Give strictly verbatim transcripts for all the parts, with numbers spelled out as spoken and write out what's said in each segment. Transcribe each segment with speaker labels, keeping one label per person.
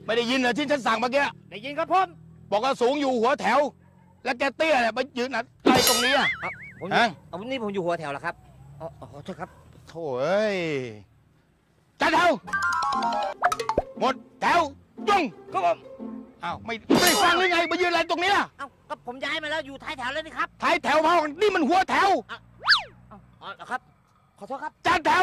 Speaker 1: ไม่ได้ยินเหรอที่ฉันสั่งเมื่อกี้
Speaker 2: ได้ยินครับผม
Speaker 1: บอกว่าสูงอยู่หัวแถวแล้วแกเตี้ยเนี่ยไปยืนอะไรตรงนี้อ่ะ
Speaker 2: ผมเอาวันนี้ผมอยู่หัวแถวแล้วครับอ๋อขอโทษครับ
Speaker 1: โถ่เอ้ยจัดแถวหมดแถวจง
Speaker 2: ครับผม
Speaker 1: อ้าวไม่ไม่ฟังหรือไงมายืนอะไรตรงนี้ล่ะ
Speaker 2: เอ้าก็ผมย้ายมาแล้วอยู่ท้ายแถวแล้วนี่ครับ
Speaker 1: ท้ายแถวเพราะนี่มันหัวแถว
Speaker 2: อ๋อครับขอโทษครับ
Speaker 1: จัดแถว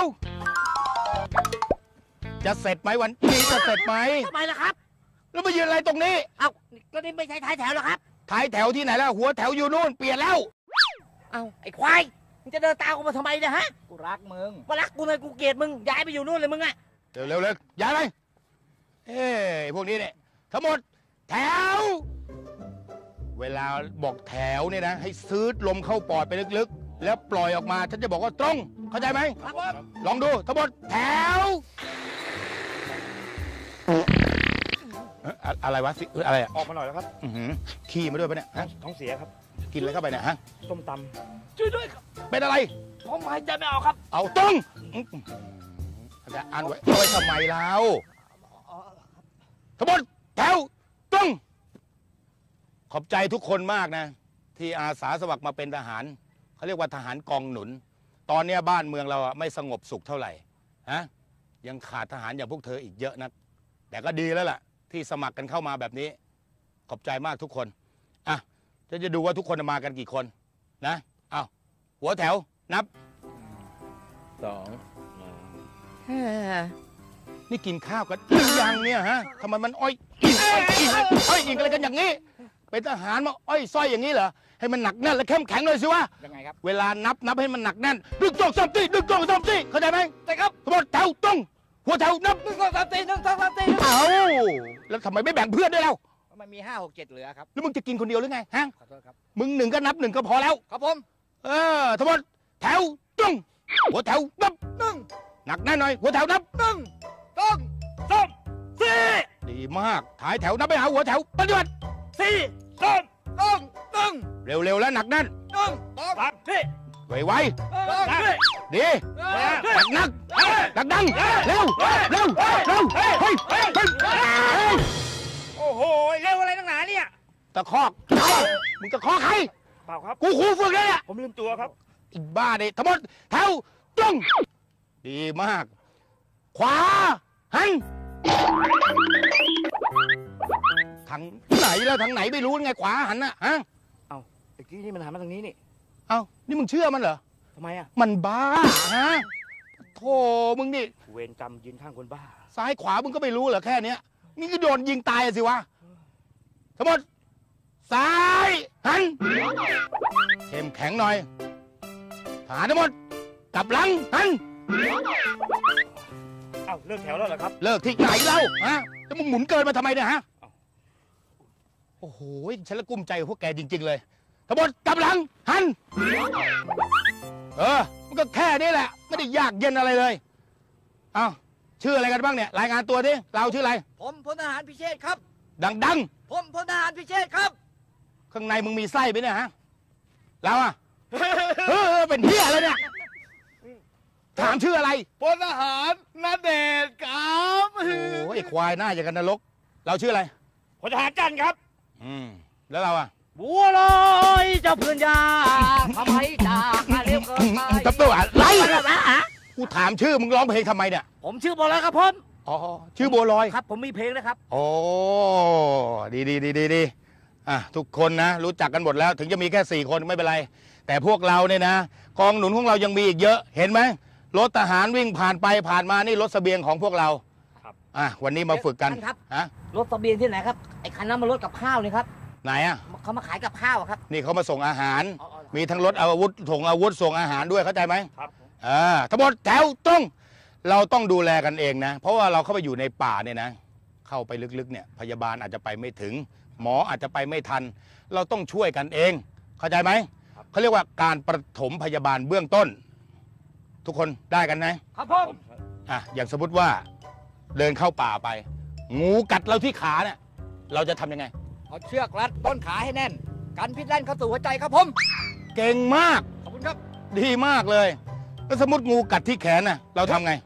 Speaker 1: จะเสร็จไหมวันนี้จะเสร็จไหม
Speaker 2: ทำไมล่ะครับ
Speaker 1: แล้วมายืนอะไรตรงนี้
Speaker 2: เอ้าก็นี่ไม่ใช่ท้ายแถวหรอครับ
Speaker 1: ท้ายแถวที่ไหนแล้วหัวแถวอยู่นู่นเปลี่ยนแล้ว
Speaker 2: เอ้าไอ้ควายมึงจะเดินตามกูมาทำไมเนี่ยฮะ
Speaker 3: กูรักมึง
Speaker 2: มารักกูเลยกูเกลียดมึงย้ายไปอยู่นู่นเลยมึงอะ
Speaker 1: เร็วเร็วเลยย้ายไปเอ้พวกนี้เนี่ยทั้งหมดแถวเวลาบอกแถวเนี่ยนะให้ซื้อลมเข้าปอดไปลึกๆแล้วปล่อยออกมาฉันจะบอกว่าตรงเข้าใจไหม
Speaker 2: ครับผม
Speaker 1: ลองดูทั้งหมดแถวอะไรวะสิอะไรอ่ะ
Speaker 3: ออกมาหน่อยแล้วครับ
Speaker 1: ขี้มาด้วยปะเนี่ย
Speaker 3: ท้องเสียครับ
Speaker 1: กินอะไรเข้าไปเนี่ยฮะ
Speaker 3: ส้มต
Speaker 2: ำช่วยด้วยครับ
Speaker 1: เป็นอะไร
Speaker 2: ผมหายใจไม่ออกครับ
Speaker 1: เอาตรงจะอ่านไว้เอาไว้ทำไมแล้วทั้งหมดแถวตรงขอบใจทุกคนมากนะที่อาสาสมัครมาเป็นทหารเขาเรียกว่าทหารกองหนุนตอนนี้บ้านเมืองเราไม่สงบสุขเท่าไหร่ฮะยังขาดทหารอย่างพวกเธออีกเยอะนะแต่ก็ดีแล้วล่ะที่สมัครกันเข้ามาแบบนี้ขอบใจมากทุกคนอ่ะจะจะดูว่าทุกคนมากันกี่คนนะอ้าวหัวแถวนับ
Speaker 3: สอง
Speaker 1: นี่กินข้าวกันหรือยังเนี่ยฮะทำไมมันอ้อยอ้อยอ้อยอิงอะไรกันอย่างนี้เป็นทหารมาอ้อยส้อยอย่างนี้เหรอให้มันหนักแน่นและเข้มแข็งเลยสิวะ
Speaker 3: ยังไงครับ
Speaker 1: เวลานับนับให้มันหนักแน่นดึงจงสามตีดึงจงสามตีเข้าใจไหม
Speaker 2: ใช่ครับ
Speaker 1: ทั้งหมดแถวตรงหัวแถวนับ
Speaker 2: หนึ่งสองสามสี่หนึ่งสองสามสี่
Speaker 1: เอาแล้วทำไมไม่แบ่งเพื่อนด้วยเล่า
Speaker 3: มันมีห้าหกเจ็ดเหลือครับ
Speaker 1: แล้วมึงจะกินคนเดียวหรือไงฮะ
Speaker 3: ขอโทษครับ
Speaker 1: มึงหนึ่งก็นับหนึ่งก็พอแล้ว
Speaker 3: ครับผม
Speaker 1: เออทั้งหมดแถวตรงหัวแถวนับ
Speaker 3: หนึ่ง
Speaker 1: หนักแน่นหน่อยหัวแถวนับ
Speaker 3: หนึ่งสองสามสี่
Speaker 1: ดีมากถ่ายแถวนับไปหาหัวแถวปฏิบัติ
Speaker 3: สี่สามสองหนึ่ง
Speaker 1: เร็วๆแล้วหนักแน่น
Speaker 3: หนึ่งสองสามสี่
Speaker 1: ไวๆดีหนักหนักดังเร็วเร็วเร็วเฮ้ยเฮ้ยเฮ้ย
Speaker 2: โอ้โหเร็วอะไรตั้งหนาเนี่ย
Speaker 1: ตะคอกมึงตะคอกใคร
Speaker 3: เปล่าครับ
Speaker 1: กูครูฝึกเลยอ่ะ
Speaker 3: ผมลืมตัวครับ
Speaker 1: อีบ้าเนี่ยทั้งหมดแถวตรงดีมากขวาหันทางไหนแล้วทางไหนไม่รู้ไงขวาหันน่ะฮะ
Speaker 3: เอ้าไอ้กี้นี่มันหันมาทางนี้นี่
Speaker 1: เอ้านี่มึงเชื่อมันเหรอ
Speaker 3: ทำไมอ่ะ
Speaker 1: มันบ้าฮะโธ่มึงนี่
Speaker 3: เวรกรรมยืนข้างคนบ้า
Speaker 1: ซ้ายขวามึงก็ไม่รู้เหรอแค่เนี้ยนี่ก็โดนยิงตายสิวะทั้งหมดซ้ายหันเข้มแข็งหน่อยฐานทั้งหมดกลับหลังหัน
Speaker 3: เอ้าเลิกแถวแล้วเหรอครับ
Speaker 1: เลิกที่ไหนเล่าฮะแล้วมึงหมุนเกินมาทำไมเนี่ยฮะโอ้โหฉันละกุ้มใจพวกแกจริงๆเลยทั้งหมดกลับหลังหันเออมันก็แค่นี้แหละไม่ได้ยากเย็นอะไรเลยเอ้าชื่ออะไรกันบ้างเนี่ยรายงานตัวดิเราชื่ออะไร
Speaker 2: ผมพลทหารพิเชษครับ
Speaker 1: ดัง
Speaker 2: ๆผมพลทหารพิเชษครับ
Speaker 1: ข้างในมึงมีไส้ไหมเนี่ยฮะเราอะเออเป็นเหี้ยอะไรเนี่ยถามชื่ออะไร
Speaker 3: พลทหารณเดชน์ครับ
Speaker 1: โอ้ยควายหน้าอย่างกันนรกเราชื่ออะไร
Speaker 3: พลทหารจันครับ
Speaker 1: อืมแล้วเราอะ
Speaker 2: บัวลอยเจ้าเพื่อนยาทำไมจากมาเร็วเกินไป
Speaker 1: ตับตัวอะไรกูถามชื่อมึงร้องเพลงทำไมเนี่ย
Speaker 2: ผมชื่อบัวลอยครับผม
Speaker 1: อ๋อชื่อบัวลอย
Speaker 2: ครับผมมีเพลงนะครับ
Speaker 1: โอ้ดีดีดีดีดีอ่ะทุกคนนะรู้จักกันหมดแล้วถึงจะมีแค่สี่คนไม่เป็นไรแต่พวกเราเนี่ยนะกองหนุนของเรายังมีอีกเยอะเห็นไหมรถทหารวิ่งผ่านไปผ่านมานี่รถเสบียงของพวกเราครับอ่ะวันนี้มาฝึกกัน
Speaker 2: ครับฮะรถเสบียงที่ไหนครับไอ้คันนั้นมันรถกับข้าวนี่ครับ
Speaker 1: ไหนอ่ะ
Speaker 2: เขามาขายกับข้าวครับ
Speaker 1: นี่เขามาส่งอาหารมีทั้งรถอาวุธส่งอาวุธส่งอาหารด้วยเข้าใจไหมครับอ่าทั้งหมดแถวตรงเราต้องดูแลกันเองนะเพราะว่าเราเข้าไปอยู่ในป่าเนี่ยนะเข้าไปลึกๆเนี่ยพยาบาลอาจจะไปไม่ถึงหมออาจจะไปไม่ทันเราต้องช่วยกันเองเข้าใจไหมเขาเรียกว่าการปฐมพยาบาลเบื้องต้นทุกคนได้กันนะครับ
Speaker 2: ผม
Speaker 1: อ่ะอย่างสมมติว่าเดินเข้าป่าไปงูกัดเราที่ขาเนี่ยเราจะทำยังไง
Speaker 2: เอาเชือกรัดต้นขาให้แน่นกันพิษแล่นเข้าสู่หัวใจครับผม
Speaker 1: เก่งมาก
Speaker 2: ขอบคุณครับ
Speaker 1: ดีมากเลยแล้วสมมติงูกัดที่แขนน่ะเราทำไง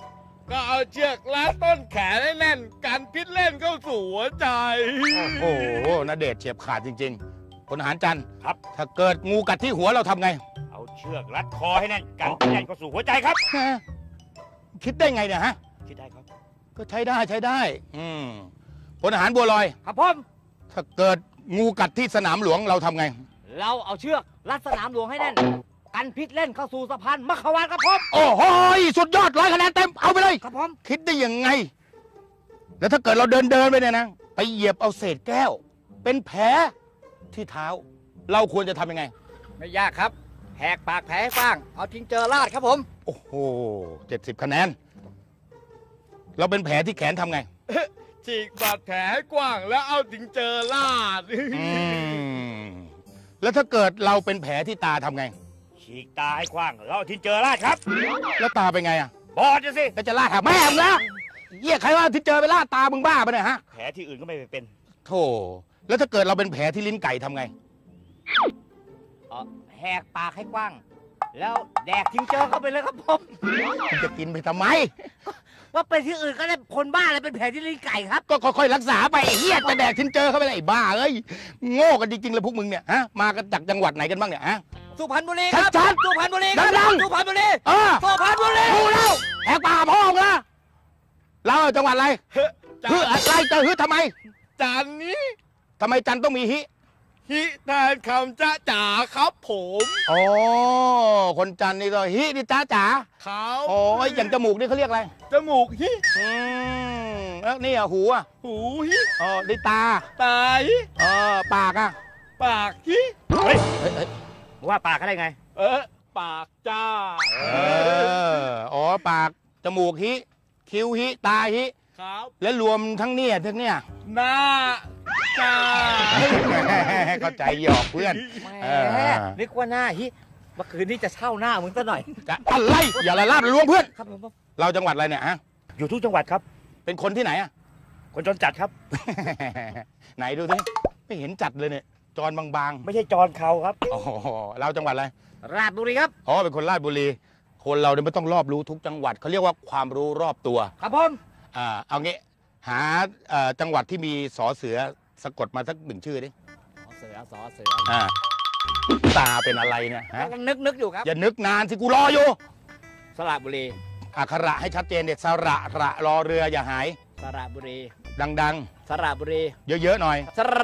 Speaker 3: ก็เอาเชือกรัดต้นแขนให้แน่นกันพิษเล่นเข้าสู่หัวใจ
Speaker 1: โอ้โหนาเดชน์เฉียบขาดจริงๆพลทหารจันทร์
Speaker 3: ครับ
Speaker 1: ถ้าเกิดงูกัดที่หัวเราทำไง
Speaker 3: เอาเชือกรัดคอให้แน่นกันพิษเล่นเข้าสู่หัวใจครับ
Speaker 1: ฮะคิดได้ไงเนี่ยฮะ
Speaker 3: คิดได้ครับ
Speaker 1: ก็ใช้ได้ใช้ได้ อืมพลทหารบัวลอย
Speaker 2: ครับผม
Speaker 1: ถ้าเกิดงูกัดที่สนามหลวงเราทำไง
Speaker 2: เราเอาเชือกรัดสนามหลวงให้แน่น กันพิษเล่นเข้าสู่สะพานมัขวานครับผม
Speaker 1: โอ้โหสุดยอดร้อยคะแนนเต็มเอาไปเลย
Speaker 2: ครับผม
Speaker 1: คิดได้ยังไง แล้วถ้าเกิดเราเดินเดินไปเนี่ยนะ ไปเหยียบเอาเศษแก้ว เป็นแผลที่เท้า เราควรจะทำยังไง
Speaker 2: ไม่ยากครับแหกปากแผลให้กว้างเอาทิ้งเจอราดครับผม
Speaker 1: โอ้โหเจ็ดสิบคะแนน เราเป็นแผลที่แขนทำไง
Speaker 3: ฉีกบาดแผลให้กว้างแล้วเอาถึงเจอลาด
Speaker 1: อืมแล้วถ้าเกิดเราเป็นแผลที่ตาทำไง
Speaker 3: ฉีกตาให้กว้างแล้วเอาถึงเจอลาดครับ
Speaker 1: แล้วตาเป็นไงอ่ะ
Speaker 3: บอดจะสิ
Speaker 1: ก็จะลาดหาแม่มึงละเยี่ยใครว่าที่เจอไปลาดตามึงบ้าปะเนี่ยฮะ
Speaker 3: แผลที่อื่นก็ไม่เป็น
Speaker 1: โธ่แล้วถ้าเกิดเราเป็นแผลที่ลิ้นไก่ทำไง
Speaker 2: เอ่อแหกปากให้กว้าง แล้วแดกทิ้งเจอเข้าไปเลยครับผม
Speaker 1: มึงจะกินไปทำไม
Speaker 2: ว่าไปที่อื่นก็ได้คนบ้าอะไรเป็นแผลที่ลิ้นไก่ครับ
Speaker 1: ก็ค่อยๆรักษาไปไอ้เฮียจะแดกทิ้นเจอเข้าไปเลยไอ้บ้าเอ้ยโง่กันจริงๆเลยพวกมึงเนี่ยฮะมากันจากจังหวัดไหนกันบ้างเนี่ยฮะ
Speaker 2: สุพรรณบุรีครับ
Speaker 1: ชัดๆ
Speaker 2: สุพรรณบุรีครับ
Speaker 1: ดังๆ
Speaker 2: สุพรรณบุรี
Speaker 1: เออ
Speaker 2: สุพรรณบุรี
Speaker 1: รู้แล้วแหกปากพ่อมึงละเราจังหวัดอะไร
Speaker 3: จัน
Speaker 1: ฮึอะไรจะฮึทำไม
Speaker 3: จันนี้
Speaker 1: ทำไมจันต้องมีฮิ
Speaker 3: ฮิแทนคำจ้าจ๋าครับผม
Speaker 1: อ๋อคนจันนี่ก็ฮินี่จ้าจ๋า
Speaker 3: เขา
Speaker 1: โอ้ยอย่างจมูกนี่เขาเรียกอะไร
Speaker 3: จมูกฮิ
Speaker 1: อืมแล้วนี่อ่ะหูอ่ะ
Speaker 3: หูฮิ
Speaker 1: อ๋อนี่ตา
Speaker 3: ตาฮิ
Speaker 1: เออปากอ่ะ
Speaker 3: ปากฮิ เฮ้ย
Speaker 1: เฮ้ยเฮ้ย
Speaker 2: ว่าปากเขาได้ไง
Speaker 3: เออปากจ้า
Speaker 1: เอออ๋อปากจมูกฮิคิ้วฮิตาฮิ
Speaker 3: ครับ
Speaker 1: แล้วรวมทั้งเนี่ยทั้งเนี่ย
Speaker 3: หน้าจ้า
Speaker 1: เข้าใจหยอกเพื่อน
Speaker 2: แหม
Speaker 1: เออ
Speaker 2: นึกว่าหน้าฮิเมื่อคืนนี้จะเช่าหน้ามึงซะหน่อย
Speaker 1: จะอะไรอย่าละลาบละล้วงเพื่อน
Speaker 2: ครับผม
Speaker 1: เราจังหวัดอะไรเนี่ยฮะ
Speaker 3: อยู่ทุกจังหวัดครับ
Speaker 1: เป็นคนที่ไหนอะ
Speaker 3: คนจนจัดครับ
Speaker 1: ไหนดูสิไม่เห็นจัดเลยเนี่ยจรบาง
Speaker 3: ไม่ใช่จรเขาครับ
Speaker 1: ๆอ๋อเราจังหวัดอะไร
Speaker 2: ราชบุรีครับ
Speaker 1: อ๋อเป็นคนราชบุรี คนเราเนี่ยไม่ต้องรอบรู้ทุกจังหวัดเขาเรียกว่าความรู้รอบตัว
Speaker 2: ครับผม
Speaker 1: อ่าเอางี้หาเอ่อจังหวัดที่มีสอเสือสะกดมาสักหนึ่งชื่อดิ
Speaker 2: เสือสอเสือ
Speaker 1: อ่าตาเป็นอะไรเนี่ยฮะ
Speaker 2: กำลังนึกนึกอยู่ครับ
Speaker 1: อย่านึกนานสิกูรออยู่
Speaker 2: สระบุรี
Speaker 1: อักขระให้ชัดเจนเด็ดสระระรอเรืออย่าหาย
Speaker 2: สระบุรี
Speaker 1: ดัง
Speaker 2: สระบุรี
Speaker 1: ๆ เยอะๆหน่อย
Speaker 2: สระ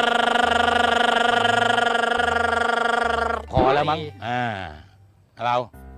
Speaker 1: พอแล้วมั้งอ่าเรา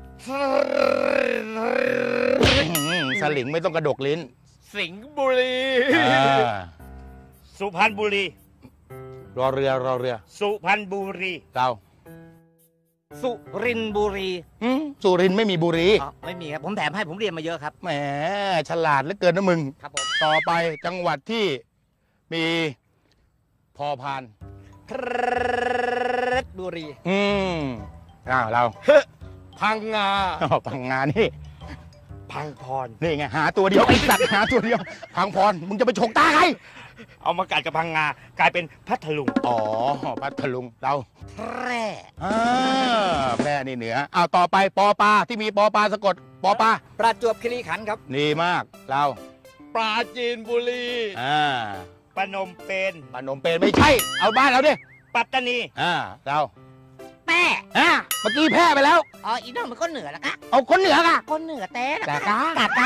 Speaker 1: สลิงไม่ต้องกระดกลิ้น
Speaker 3: สิงห์บุรี
Speaker 1: อ่า
Speaker 3: สุพรรณบุรี
Speaker 1: รอเรือรอเรือ
Speaker 3: สุพรรณบุรี
Speaker 1: เรา
Speaker 2: สุรินทร์บุรี
Speaker 1: อืมสุรินทร์ไม่มีบุรี
Speaker 2: อ๋อไม่มีครับผมแถมให้ผมเรียนมาเยอะครับ
Speaker 1: แหมฉลาดเหลือเกินนะมึง
Speaker 2: ครับผม
Speaker 1: ต่อไปจังหวัดที่มีพอพาน
Speaker 2: เพชรบุรี
Speaker 1: อืมอ้าวเรา
Speaker 3: พังงา
Speaker 1: อ้าวพังงานนี่
Speaker 3: พังพร
Speaker 1: นี่ไงหาตัวเดียวไอ้สัตว์หาตัวเดียวพังพรมึงจะไปฉกตาใคร
Speaker 3: เอามากัดกับพังงากลายเป็นพัทลุง
Speaker 1: อ๋อพัทลุงเรา
Speaker 2: แพร่
Speaker 1: อ่าแพร่นี่เหนืออ้าวต่อไปปอปลาที่มีปอปลาสะกดปอปลา
Speaker 2: ประจวบคีรีขันธ์ครับ
Speaker 1: ดีมากเรา
Speaker 3: ปราจีนบุรี
Speaker 1: อ่า
Speaker 3: ปนมเปญ
Speaker 1: ปนมเปญไม่ใช่ เอาบ้านเราดิ
Speaker 3: ปัตตานี
Speaker 1: อ่าเรา
Speaker 2: แป้
Speaker 1: อ่าเมื่อกี้แพร่ไปแล้ว
Speaker 2: อ๋ออีน้องมันก็เหนือแล้วกะ
Speaker 1: เอาคนเหนือค่ะ
Speaker 2: คนเหนือแต้นะ
Speaker 1: แต่กาก
Speaker 2: ะกะ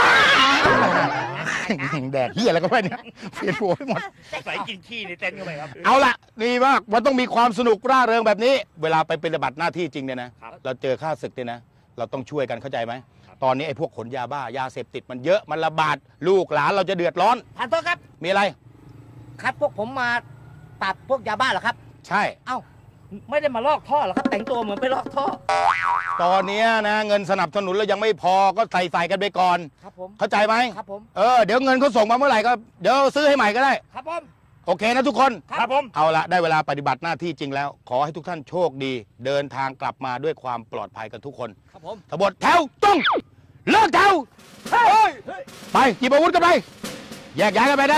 Speaker 1: แดดเฮียอะไรก็ไม่เนี่ยเปลี่ยนหัวไปหมด
Speaker 3: ใส่กินขี้ในเต็นท์เข้าไปครับ
Speaker 1: เอาละดีมากมันต้องมีความสนุกร่าเริงแบบนี้ เวลาไปปฏิบัติหน้าที่จริงเนี่ยนะ
Speaker 3: ครับ
Speaker 1: เราเจอข้าศึกเนี่ยนะ เราต้องช่วยกันเข้าใจไหม ตอนนี้ไอ้พวกขนยาบ้ายาเสพติดมันเยอะมันระบาดลูกหลานเราจะเดือดร้อน
Speaker 2: ท่านโทษครับ
Speaker 1: มีอะไร
Speaker 2: ครับพวกผมมาปราบพวกยาบ้าเหรอครับ
Speaker 1: ใช่
Speaker 2: เอ้าไม่ได้มาลอกท่อเหรอครับ แต่งตัวเหมือนไปลอกท่อ
Speaker 1: ตอนเนี้ยนะเงินสนับสนุนเรายังไม่พอก็ใส่ใส่กันไปก่อน
Speaker 2: ครับผม
Speaker 1: เข้าใจไหม
Speaker 2: ครับผม
Speaker 1: เออเดี๋ยวเงินเขาส่งมาเมื่อไหร่ก็เดี๋ยวซื้อให้ใหม่ก็ได้
Speaker 2: ครับผม
Speaker 1: โอเคนะทุกคน
Speaker 3: ครับผม
Speaker 1: เอาละได้เวลาปฏิบัติหน้าที่จริงแล้ว ขอให้ทุกท่านโชคดี เดินทางกลับมาด้วยความปลอดภัยกันทุกคน
Speaker 2: ครับผม
Speaker 1: ทบทแถวต้องเลิกแถวไปหยิบอาวุธกันไปแยกย้ายกันไปได้